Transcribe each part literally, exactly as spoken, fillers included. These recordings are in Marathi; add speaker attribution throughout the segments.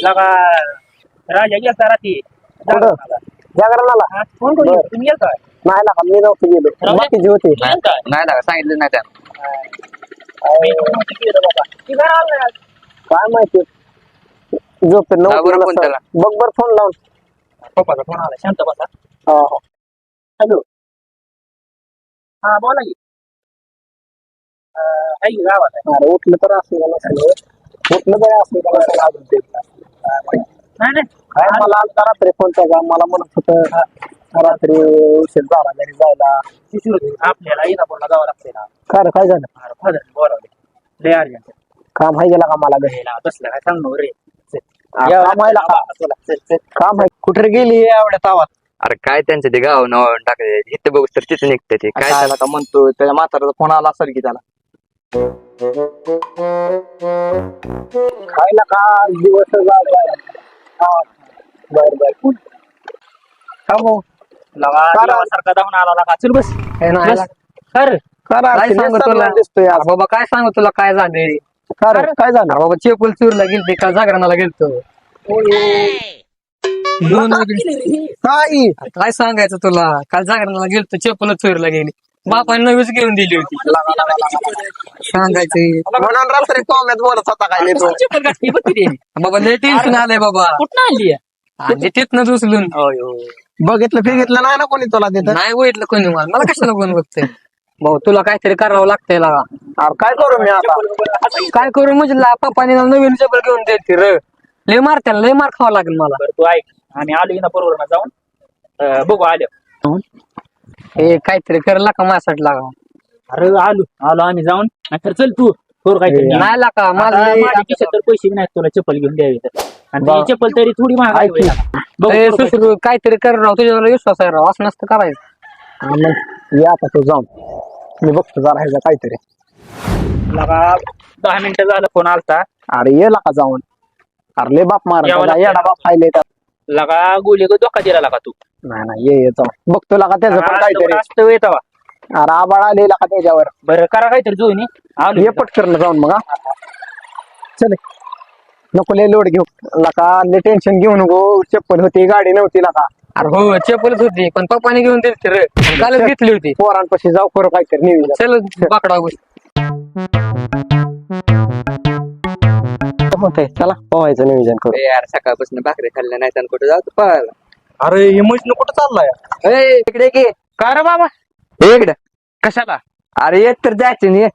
Speaker 1: लगा राजा गेलता रात्री
Speaker 2: जागरणाला
Speaker 1: फोन करू तुम्ही गेलता
Speaker 2: नाही ना मी नव्हतं गेलो बाकीचे होते
Speaker 3: नाही ना सांगितलं नाही त्यानं
Speaker 2: काय माहिती झोप
Speaker 3: लाव बरं फोन त्याला.
Speaker 2: बघ बर फोन लावून
Speaker 1: पप्पाचा फोन आला शांत बसा
Speaker 2: हो हो
Speaker 1: हॅलो हा बोला की आहे की गावात आहे
Speaker 2: अरे उठलं तर असेल का नसेल उठलं तर असेल का नसेल अजून ते
Speaker 1: नाही नाही
Speaker 2: काय मला आलता रात्री फोनचा का मला म्हणत होतं रात्री उशीर झाला घरी जायला
Speaker 1: आपल्याला इंदापूरला जावं लागतंय ना
Speaker 2: काय काय झालं
Speaker 1: अरे फादर बोलावले लय अर्जंट
Speaker 2: काम आहे गेला का मला घरी
Speaker 1: बसलं काय सांगू रे
Speaker 2: काम आहे का काम आहे कुठे गेली एवढ्या तावात
Speaker 3: अरे काय त्यांचं ते गाव नाव टाकले इथे बघू तर तिथे निघते ते काय
Speaker 2: काय का म्हणतो त्याच्या म्हाताऱ्याचा फोन आला असेल की त्याला खायला का दिवस बर बर
Speaker 1: सारखा धावून आला का चल बस
Speaker 3: कर काय सांगू तुला
Speaker 2: दिसतोय
Speaker 3: बाबा काय सांगू तुला काय झाले
Speaker 2: काय झालं
Speaker 3: बाबा चेपल चूरला गेलते का जागरणाला गेलतो
Speaker 2: काय
Speaker 3: काय सांगायचं तुला काल जागरणाला गेलतो चेपल चोरीला गेली बापाने नवीच घेऊन दिली होती सांगायचं
Speaker 2: म्हणून रात्री कॉमेत बोलत होता काय तो
Speaker 3: बाबा लय टेन्शन आलंय बाबा
Speaker 1: कुठं आली
Speaker 3: आणि तिथनं उचलून
Speaker 2: बघितलं फिगितलं नाही ना कोणी तुला तिथं
Speaker 3: नाही बघितलं कोणी मला मला कशाला कोण बघतंय भाऊ तुला काहीतरी करावं लागतंय लागा
Speaker 2: अरे काय करू मी आता
Speaker 3: काय करू म्हणजे पप्पाने नवीन चपल घेऊन द्यायची र लय मार त्याला लय मार खावा लागेल मला
Speaker 1: बरं तू ऐक आम्ही आलो ना बरोबर जाऊन बघू आलो
Speaker 3: हे काहीतरी करायला का माझ्यासाठी लागा
Speaker 1: अरे आलो आलो आम्ही जाऊन तर चल तू थोर काहीतरी
Speaker 3: नाही लागा माझं
Speaker 1: माझ्या खिशात तर पैसे नाहीत तुला चप्पल घेऊन द्यावी तर आणि ती चप्पल तरी थोडी महाग आहे
Speaker 3: सुसरू काहीतरी कर राव तुझ्यावर विश्वास आहे राव असं नसतं करायचं
Speaker 2: मग या आता तू जाऊन मी बघतो जरा ह्याचा काहीतरी
Speaker 1: लगा दहा मिनिटं झालं फोन आलता
Speaker 2: अरे ये का जाऊन अरे ले बाप मार येडा बाप खायले
Speaker 1: लगा गोली धोका दिला लगा तू
Speaker 2: नाही नाही ये ये जाऊन बघतो लागा त्याचं पण काहीतरी
Speaker 1: असतं येतावा
Speaker 2: अरे आबाळ आले का त्याच्यावर
Speaker 1: बरं करा काहीतरी जोईनी आलो
Speaker 2: ये पटकन जाऊन मग चल नको लय लोड घेऊ लका लय टेन्शन घेऊ नको चप्पल होती गाडी नव्हती लका
Speaker 3: अरे हो चप्पलच होती पण पप्पाने घेऊन दिली रे कालच घेतली होती
Speaker 2: पोरांपाशी जाऊ करू काहीतरी नियोजन
Speaker 3: चल बाकडा
Speaker 2: होतंय चला पोहायचं नियोजन करू
Speaker 3: यार सकाळपासून भाकरी खाल्ल्या नाही तर कुठे जातो पळायला
Speaker 2: अरे हे मशीन कुठं चाललाय
Speaker 3: इकडे की
Speaker 1: का रे बाबा
Speaker 3: इकडे
Speaker 1: कशाला
Speaker 3: अरे येत तर जायचं नाही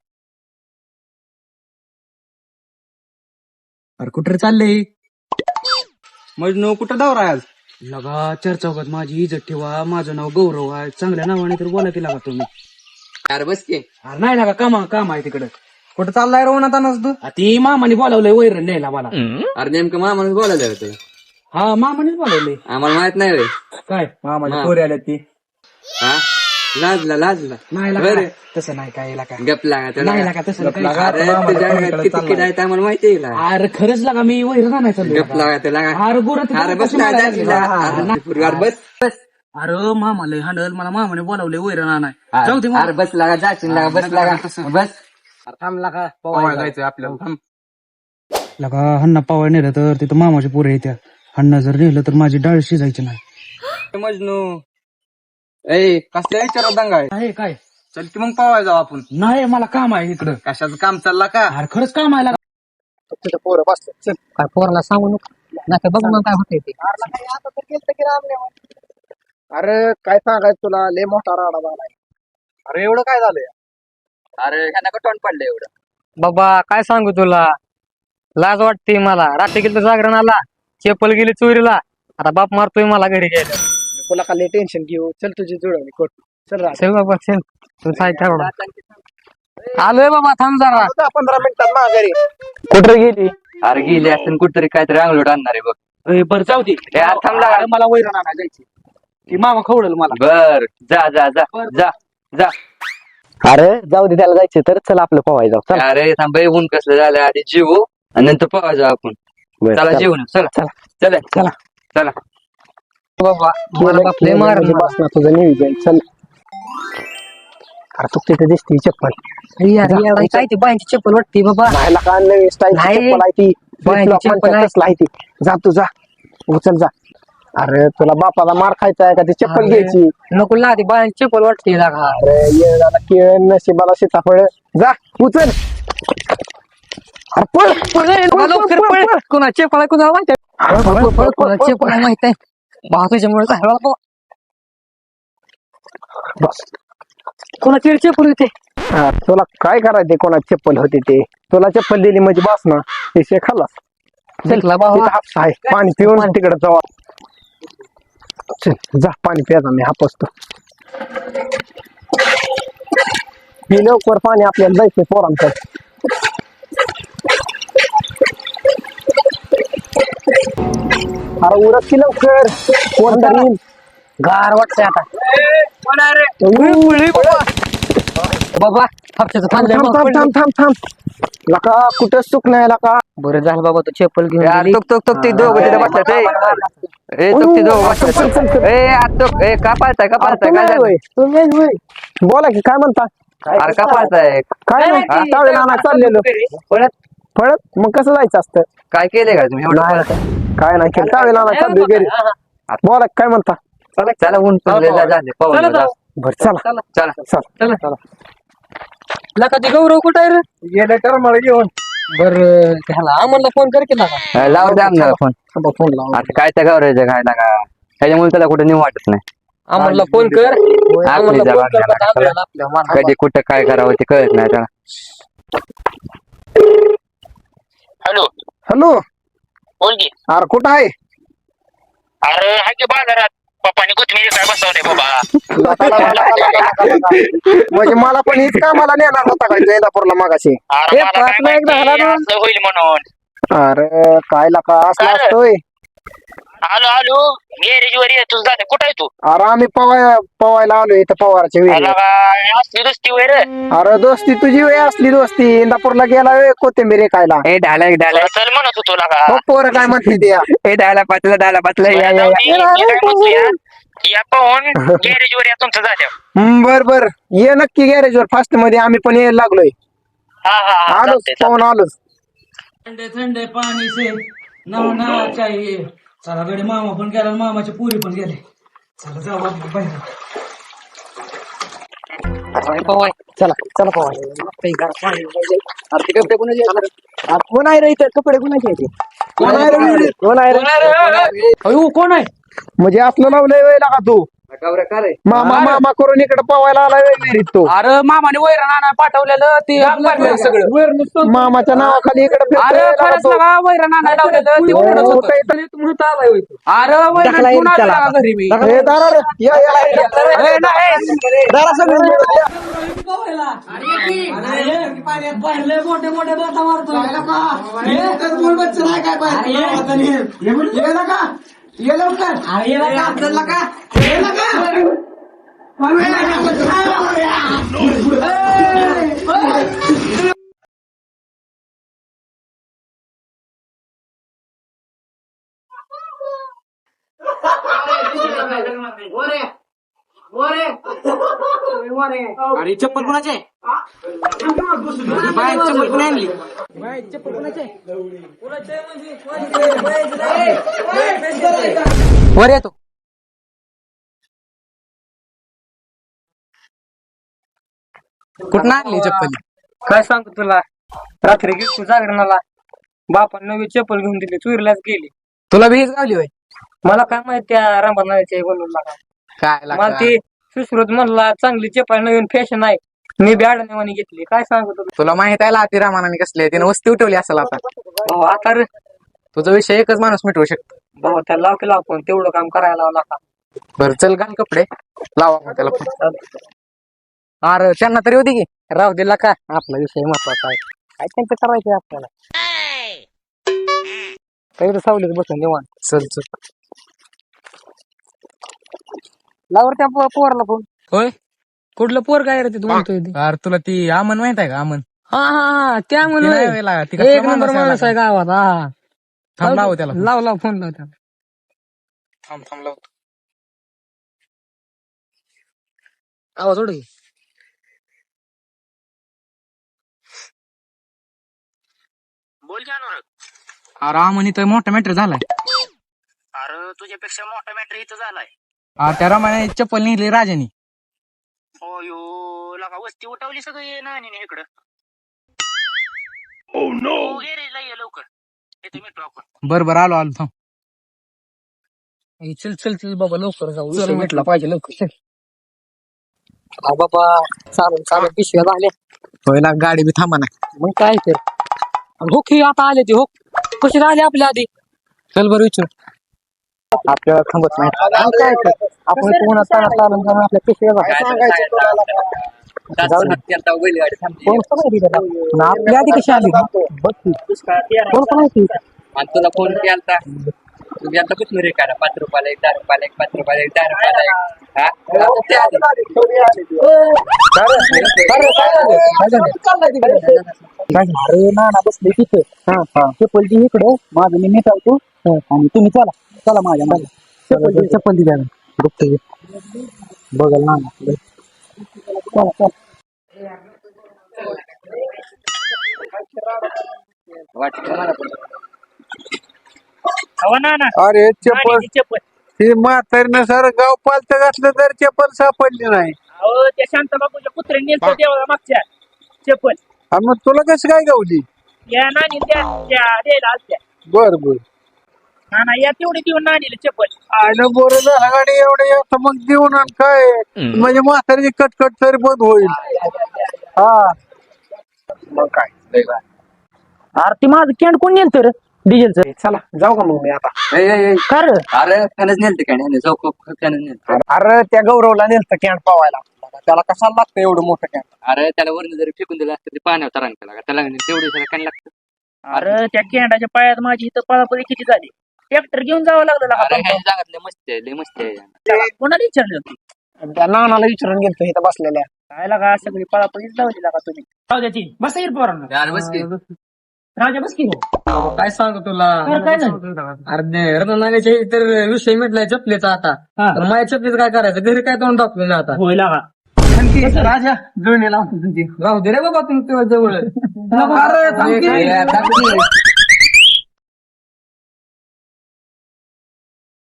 Speaker 4: अरे कुठे चाललंय मजनू कुठं दौरा आज लगा चर्चौकात माझी इज्जत ठेवा माझं नाव गौरव आहे चांगल्या नावाने तर बोला की लागा तुम्ही
Speaker 3: यार बस की
Speaker 4: अरे नाही लागा कामा काम आहे तिकडं कुठं चाललाय रोवणात आणस तू ती मामाने बोलावलंय वैरण न्यायला मला
Speaker 3: अरे नेमकं मामाने बोलायला होतं
Speaker 4: हा मामानेच बोलावलंय
Speaker 3: आम्हाला माहित नाही रे
Speaker 4: काय मामाने पोरी आल्या ती
Speaker 3: हा लाजला लाजला
Speaker 4: नाही लागा तसं नाही काय लागा
Speaker 3: गप लागा
Speaker 4: नाही लागा तसं
Speaker 3: अरे तुझ्या किती किडा आहे आम्हाला माहिती आहे
Speaker 4: अरे खरंच लागा मी वैरण आणायचं
Speaker 3: गप लागा ते लागा
Speaker 4: अरे गुरं
Speaker 3: अरे बस बस बस
Speaker 4: अरे मामाला हांडल मला मामाने बोलावले वैरण आणाय जाऊ दे
Speaker 3: अरे बस लागा जायचं लागा बस लागा बस
Speaker 4: थांब लागा पवायला जायचं आपल्याला लगा हन्ना पवाय नेलं तर तिथं मामाचे पोरे येत्या हन्ना जर नेलं तर माझी डाळ शिजायची नाही
Speaker 3: मजनू ए कसल्या विचारात दंगा
Speaker 4: आहे काय
Speaker 3: चल की मग पवाय जाऊ आपण
Speaker 4: नाही मला काम आहे इकडं
Speaker 3: कशाचं काम चालला का
Speaker 4: अरे खरंच काम आहे लागा
Speaker 2: पोरं बसले चल
Speaker 3: काय पोराला सांगू नको नाही बघ मग काय होतंय ते
Speaker 2: आता तर केलं की रामने अरे काय सांगायचं तुला लय मोठा राडा झालाय अरे एवढं काय झालंय
Speaker 3: अरे ह्यांना कटवण पडलं एवढं बाबा काय सांगू तुला लाज वाटते मला रात्री गेलं जागरण आला चप्पल गेली चोरीला आता बाप मारतोय मला घरी गेलं
Speaker 2: तुला का लय टेन्शन घेऊ चल तुझी जुळवणी कोट चल राज
Speaker 3: चल बाबा चल तू साहित्य आलोय बाबा थांब जरा
Speaker 2: दहा पंधरा मिनिटात माघारी
Speaker 3: कुठे गेली अरे गेली असं कुठतरी काहीतरी अंगलोट आणणार आहे बघ
Speaker 1: बरं जाऊ दे
Speaker 3: थांबला
Speaker 1: मला वैरण आणायला जायची ती मामा खवडल मला
Speaker 3: बर जा जा जा जा जा
Speaker 2: अरे जाऊ दे त्याला जायचं तर चल आपलं पोहाय जाऊ चल
Speaker 3: अरे थांब ऊन कसलं झालं आधी जेवू आणि नंतर पवा जाऊ आपण चला जेवण चला चला चला चला चला बाबा मला बाप लय मार
Speaker 2: बस ना तुझं नियोजन चल अरे तू तिथे दिसते चप्पल
Speaker 3: काय ती बाईंची चप्पल वाटते बाबा
Speaker 2: राहायला का नवीन स्टाईल
Speaker 3: नाही.
Speaker 2: चप्पल आहे ती
Speaker 3: बायांची
Speaker 2: Flip-flop
Speaker 3: चप्पल
Speaker 2: म्हणतात
Speaker 3: आहे.
Speaker 2: तसलं आहे ती. जा तू जा उचल जा. अरे तुला बापाला मार खायचा आहे का ती चप्पल
Speaker 3: अरे,
Speaker 2: घ्यायची?
Speaker 3: नको लादी बायांची चप्पल वाटते लागा.
Speaker 2: अरे ये झाला केळ नशिबाला सीताफळ. जा उचल. अरे पळ, पळ, पळ,
Speaker 3: लवकर
Speaker 2: पळ,
Speaker 3: पळ.
Speaker 2: पळ.
Speaker 3: कोणाची चप्पल आहे कोणाला माहित आहे?
Speaker 2: अरे पळ, पळ, पळ,
Speaker 3: कोणाची
Speaker 2: पळ,
Speaker 3: चप्पल
Speaker 2: पळ.
Speaker 3: आहे माहित आहे? भाऊ तुझ्यामुळे झाला बाबा.
Speaker 2: बस.
Speaker 3: कोणाची चप्पल होते?
Speaker 2: हा, तुला काय करायचे कोणाची चप्पल होती ते? तुला चप्पल दिली म्हणजे बस ना विषय खाल्लास. चल
Speaker 3: जिंकला बाबा.
Speaker 2: तिथं हापसा आहे पाणी पिऊन तिकडे जाऊ. चल जा पाणी प्यायचा मी हापसतो. ही लवकर पाणी आपल्याला जायचंय पोरांचं. अरे उरत की लवकर कोण तरी येईल.
Speaker 3: गार वाटतंय आता. बाबा हप्त्याचं
Speaker 2: थांब
Speaker 3: थांबलंय
Speaker 2: थांब
Speaker 3: मग
Speaker 2: थांब
Speaker 3: पडलं.
Speaker 2: थांब थांब थांब लका कुठं सुक नाही लका.
Speaker 3: बरं झालं बाबा तू चप्पल घेऊन
Speaker 5: यार
Speaker 3: गेली.
Speaker 5: तुक तुक तुक ती दोघं तिथे बसतात ए. ए तुक ती दोघं बसतात ए आज तुक ए का पाळताय का पाळताय काय झालं?
Speaker 2: बोला की काय म्हणता?
Speaker 5: अरे का पाळताय
Speaker 2: काय नाही टावेल आणा चाललेलो.
Speaker 3: पळत.
Speaker 2: पळत मग कसं जायचं असतं?
Speaker 5: काय केलंय का तुम्ही एवढं
Speaker 2: नाही,
Speaker 5: पाळताय?
Speaker 2: काय नाही केलं टावेल आणा चाललोय घरी. बोला काय म्हणता?
Speaker 5: चला ऊन पडलंय, जा- झाले पाहून
Speaker 3: चला
Speaker 5: जा.
Speaker 3: जाऊ.
Speaker 2: बरं चला
Speaker 5: चला
Speaker 2: चला
Speaker 3: चला. लका ते गौरव कुठं आहे रे?
Speaker 2: गेलं तर मला घेऊन
Speaker 3: बर त्याला आम्हाला फोन कर की लागा.
Speaker 5: अ, लाव द्या ना फोन.
Speaker 2: फोन लावा.
Speaker 5: आता काय त्या गावरायचं काय ना का ह्याच्यामुळे त्याला कुठं नेऊ वाटत नाही.
Speaker 3: आम्हाला फोन कर. आम्हाला
Speaker 5: आपली
Speaker 3: फोन
Speaker 5: जबाब
Speaker 3: कर
Speaker 5: द्यायला
Speaker 3: का आपल्याला आपल्या माना.
Speaker 5: कधी कुठं काय करावं ते कळत नाही त्याला.
Speaker 6: हॅलो
Speaker 2: हॅलो
Speaker 6: बोल की.
Speaker 2: अरे कुठं आहे?
Speaker 6: अरे हा की बाजारात पप्पानी कोथमिरी काय बसवते बाबा.
Speaker 2: लका, लका, लका, लका, लका, लका. म्हणजे मला पण हीच कामाला नेणार होता काय तू इंदापूरला मागाशी?
Speaker 6: अरे
Speaker 3: हे
Speaker 6: मला काय
Speaker 3: पाच मिनिट
Speaker 6: माहिती
Speaker 3: झाला ना.
Speaker 6: असं होईल म्हणून.
Speaker 2: अरे काय लका असला
Speaker 6: काय?
Speaker 2: असतोय.
Speaker 6: आलो आलो गॅरेज वर ये तुझं जाते कुठं आहे तू?
Speaker 2: अरे आम्ही पवाय पवायला आलो इथं पवाराच्या
Speaker 6: आला
Speaker 2: वेळी.
Speaker 6: का असली दुसती वर
Speaker 2: अरे दोस्ती तुझी वेळ असली दोस्ती इंदापूरला गेला वेळ कोथिंबीर खायला.
Speaker 5: ए डायला डायला
Speaker 6: चल म्हणत होतो लागा.
Speaker 2: मग पोरं काय म्हणते ते?
Speaker 5: ए डायला पाचला डायला पाचला या या
Speaker 6: जाऊ
Speaker 5: या.
Speaker 6: दे, मी काय म्हणतो या या पाहून गॅरेज वर या तुमचं जाते.
Speaker 2: हम्म, बर बर ये नक्की गॅरेजवर फास्ट मध्ये आम्ही पण यायला लागलोय.
Speaker 6: हा हा हा
Speaker 2: आलोच
Speaker 6: चालतंय, चालतंय.
Speaker 2: पाहून आलोच.
Speaker 4: ठंडे ठंडे पाणी से नहाना चाहिए. चला गडी मामा पण गेला आणि मामाचे पुरी पण गेले. चला जाऊ आपण बाहेर.
Speaker 2: चला चला पवाय.
Speaker 3: अरे ते कपडे कोणाचे आहेत?
Speaker 2: कोण आहे रे इथं? कपडे कोणाचे आहेत? कोण आहे रे? कोण आहे रे?
Speaker 3: अयो कोण आहे?
Speaker 2: म्हणजे असलं लावलंय वेळ का तू?
Speaker 5: गावऱ्या का रे?
Speaker 2: मामा मामा करून इकडे पवायला आलाय विहिरीत तू.
Speaker 3: अरे मामाने वैरण आणा पाठवलेलं ते भरलं सगळं.
Speaker 2: मामाच्या नावाखाली इकडे
Speaker 3: अरे खरंच लागा वैरण आणा लावलेलं ते ओरडत होतं. अरे वैरण घेऊन आलो लागा घरी मी.
Speaker 2: मोठे
Speaker 4: मोठे बाता मारतो.
Speaker 3: अरे चप्पल कोणाचे? बाय चप्पल कोणी आणली? चप्पल कोणाचे? वर येतो. कुठं आणली चप्पल? काय सांगतो तुला, रात्री गेली जागरणाला, बापान नवी चप्पल घेऊन दिली, चोरीलाच गेली. तुला बी हीच गावली होय? मला काय माहित त्या रामनाथच्या बनवून लागा. काय मला ती सुश्रुत म्हणला चांगली चप्पल नवीन फॅशन आहे, मी बी अडण्यावानी घेतली. काय सांगतो तुला?
Speaker 7: तुला माहित आहे लाती रामानाने कसली आहे, त्याने वस्ती उठवली असेल आता.
Speaker 3: भाऊ आता रे
Speaker 7: तुझा विषय एकच माणूस मिटवू शकतो.
Speaker 3: भाऊ त्याला लाव की लाव पण तेवढं काम करायला लावला का?
Speaker 7: बरं चल घाल कपडे, लावा मग त्याला फोन. अरे त्यांना तरी होती की
Speaker 3: राहू दिला का, आपला विषय महत्वाचा आहे. काय त्यांचं करायचंय आपल्याला, काही तर सावलीत बसून निवांत.
Speaker 7: चल चल.
Speaker 3: लावर त्या पो- पोराला फोन. होय कुठलं पोर काय रे ते तू म्हणतोय ते?
Speaker 7: अरे तुला ती अमन माहित आहे का? अमन
Speaker 3: हा हा हा त्या
Speaker 7: ती
Speaker 3: म्हणून
Speaker 7: नाही वेळ लागा, ती कसला
Speaker 3: एक नंबर
Speaker 7: माणूस आहे
Speaker 3: माणूस आहे
Speaker 7: लागा.
Speaker 3: गावात. हा
Speaker 7: थांब लाव त्याला फोन.
Speaker 3: लाव लाव फोन लाव त्याला.
Speaker 7: थांब थांब लाव.
Speaker 3: आवाज ओढ की.
Speaker 6: बोल की अनुराग.
Speaker 7: अरे आम्हाला तर मोठा मॅटर झालाय.
Speaker 6: अरे तुझ्यापेक्षा मोठा मॅटर इथं झालाय.
Speaker 7: अरे त्या रमाने चप्पल निघली राजानी.
Speaker 6: हो यो लगा वस्ती उठवली सगळी नानीने इकडं. गॅरेजला ये लवकर. येतो मिठू आपण.
Speaker 7: बर बर आलो आलो थांब.
Speaker 3: ए, चल चल चल बाबा लवकर जाऊ.
Speaker 7: चल,
Speaker 3: विषय
Speaker 7: म्हटलं.
Speaker 3: मिटला पाहिजे लवकर चल. हा बाबा चालून चालून पिशव्या झाल्या.
Speaker 7: होय ना गाडी बी थांबा ना.
Speaker 3: मग काय तर हो की आता आले ते हो कशी राहिले आपल्या आधी. चल बरं विचार.
Speaker 2: आपल्याला थांबत नाही मग काय तर आपण पुन्हा चालत चालून जाऊन आपल्या पिशव्या बघायचं. जाऊ दे. कोण कोण आहे तिथे? पण आपल्या आधी कशी आली बघ की. कोण कोण आहे तिथे?
Speaker 5: आणि तुला फोन केला तुम्ही आता कुठून रे करा पाच रुपयाला एक दहा रुपयाला एक पाच रुपयाला एक दहा रुपयाला एक हा
Speaker 1: अरे ना ना बसले तिथे चप्पल ती इकडे माझं मी मिटावतो आणि तुम्ही चला चला माझ्या माझ्या चप्पल चप्पल द्या बघल ना चला चला.
Speaker 5: वाटतं मला पण.
Speaker 6: हवा ना ना
Speaker 2: अरे चप्पल
Speaker 6: नानीची चप्पल.
Speaker 2: हे म्हातारीनं सर गाव पालत घातलं तर चप्पल सापडली नाही.
Speaker 6: अहो त्या शांताबापूच्या कुत्र्याने नेलतं देवाला मागच्या चप्पल.
Speaker 2: आणि मग तुला कसं काय गावली?
Speaker 6: या नानी त्या त्या द्यायला आलत्या.
Speaker 2: बर बर
Speaker 6: नाना या तेवढी देऊन नानीला चप्पल.
Speaker 2: आणि बरं झालं गाडी एवढं येतं मग देऊन आण काय म्हणजे म्हातारीची कटकट तरी बंद होईल. हा मग काय
Speaker 1: अरे ती माझं कॅन्ड कोण नेल तर डिझेलचं.
Speaker 2: चला जाऊ का मग मी आता.
Speaker 5: ए, ए, ए,
Speaker 1: कर
Speaker 5: अरे त्यानंच नेलते काय नाही जाऊ खूप त्यानंच नेलते.
Speaker 2: अरे त्या गौरवला नेलतं कॅन्ड पावायला. त्याला कशाला लागतं एवढं मोठं कॅन्ड?
Speaker 5: अरे त्याला वरून जरी फेकून दिलं असतं ते पाण्यावर तरांग केला त्याला तेवढी त्याला काय लागतं.
Speaker 6: अरे त्या केंडाच्या पायात माझी इथं पळापळी किती झाली. ट्रॅक्टर घेऊन जावं लागलं
Speaker 5: अरे
Speaker 6: लगा.
Speaker 5: ह्या जागात लय मस्ती आहे लय मस्ती आहे.
Speaker 6: कोणाला विचारलं होती
Speaker 2: त्या नानाला विचारून गेलतो इथं बसलेल्या.
Speaker 6: काय लागा सगळी पळापळीच लावली लागा तुम्ही. जाऊ द्या ती बस येईल पोरांना.
Speaker 5: यार बस की.
Speaker 6: राजा बस की हो.
Speaker 3: काय सांगू तुला
Speaker 6: अरे काय झालं?
Speaker 3: अरे रत्नागिरीच्या तर विषय मिटलाय चपलीचा आता.
Speaker 6: हा.
Speaker 3: तर माझ्या चपलीच काय करायचं घरी काय तोंड टाकलं आता.
Speaker 6: होय लागा.
Speaker 3: राजा जुळणी लावतो तुमची राहू दे रे बाबा तुमच्या जवळ.
Speaker 5: अरे, थांब की.